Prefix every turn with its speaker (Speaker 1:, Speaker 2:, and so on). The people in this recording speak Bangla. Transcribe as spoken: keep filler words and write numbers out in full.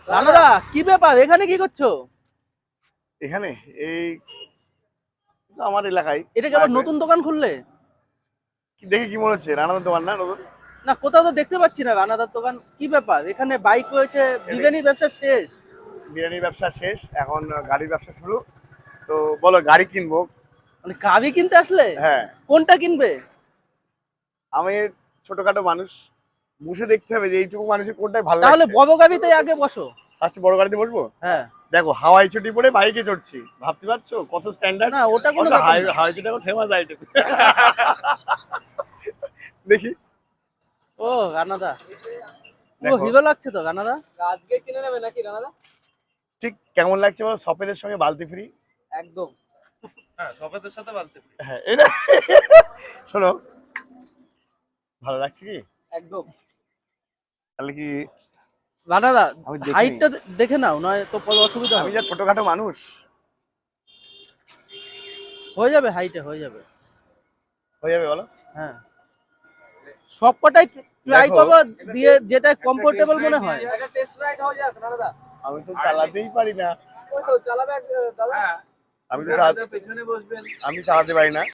Speaker 1: রানাদা কি ব্যাপার, এখানে কি করছো?
Speaker 2: এখানে এই আমার এলাকায়
Speaker 1: এটা কি আবার নতুন দোকান খুললে?
Speaker 2: দেখে কি মনে হচ্ছে রানাদার দোকান না নতুন?
Speaker 1: না, কোথাও তো দেখতে পাচ্ছি না রানাদার দোকান। কি ব্যাপার, এখানে বাইক রয়েছে, বিরিয়ানি ব্যবসা শেষ?
Speaker 2: বিরিয়ানির ব্যবসা শেষ, এখন গাড়ির ব্যবসা শুরু। তো বলো গাড়ি কিনবো।
Speaker 1: মানে গাড়ি কিনতে আসলে?
Speaker 2: হ্যাঁ।
Speaker 1: কোনটা কিনবে?
Speaker 2: আমি ছোটখাটো মানুষ, বসে দেখতে হবে যে এইটুকু মানুষের কোনটাই ভালো
Speaker 1: তাহলে
Speaker 2: লাগছে।
Speaker 1: বড় গাড়িতে আগে বসো।
Speaker 2: আজকে বড় গাড়িতে বসবো।
Speaker 1: হ্যাঁ।
Speaker 2: দেখো হাওয়াই ছুটি পরে বাইকে চড়ছি, ভাবতে পারছো কত স্ট্যান্ডার্ড?
Speaker 1: না, ওটা কোনো ব্যাপার না।
Speaker 2: হাওয়াই ছুটি এখন ফেমাস আইটেম। দেখি।
Speaker 1: ও রানাদা, ও
Speaker 2: দেখো।
Speaker 1: হিরো লাগছে তো রানাদা।
Speaker 3: আজকে কিনে নেবে নাকি রানাদা?
Speaker 2: ঠিক কেমন লাগছে বলো, সফেদের সঙ্গে বালতি ফ্রি।
Speaker 3: একদম।
Speaker 4: হ্যাঁ, সফেদের সাথে বালতি।
Speaker 2: হ্যাঁ এটা শোনো, ভালো লাগছে কি?
Speaker 3: একদম।
Speaker 2: তাহলে কি
Speaker 1: রানাদা
Speaker 2: আমি দেখিনি।
Speaker 1: হাইটটা দেখে নাও, নয় তো পরে অসুবিধা
Speaker 2: আমি
Speaker 1: হবে।
Speaker 2: যা ছোটখাটো মানুষ।
Speaker 1: হয়ে যাবে, হাইটে হয়ে যাবে।
Speaker 2: হয়ে যাবে বলো।
Speaker 1: হ্যাঁ, সব কটাই ট্রাই
Speaker 2: দেখো।
Speaker 1: করবো, দিয়ে যেটা কমফোর্টেবল মনে হয়।
Speaker 3: একটা টেস্ট রাইড হয়ে যাক রানাদা।
Speaker 2: আমি তো চালাতেই পারি না।
Speaker 3: ওই তো চালাবে এক- দাদা।
Speaker 2: আমি তো চালা-
Speaker 4: পেছনে বসবেন।
Speaker 2: আমি চালাতে পারি না।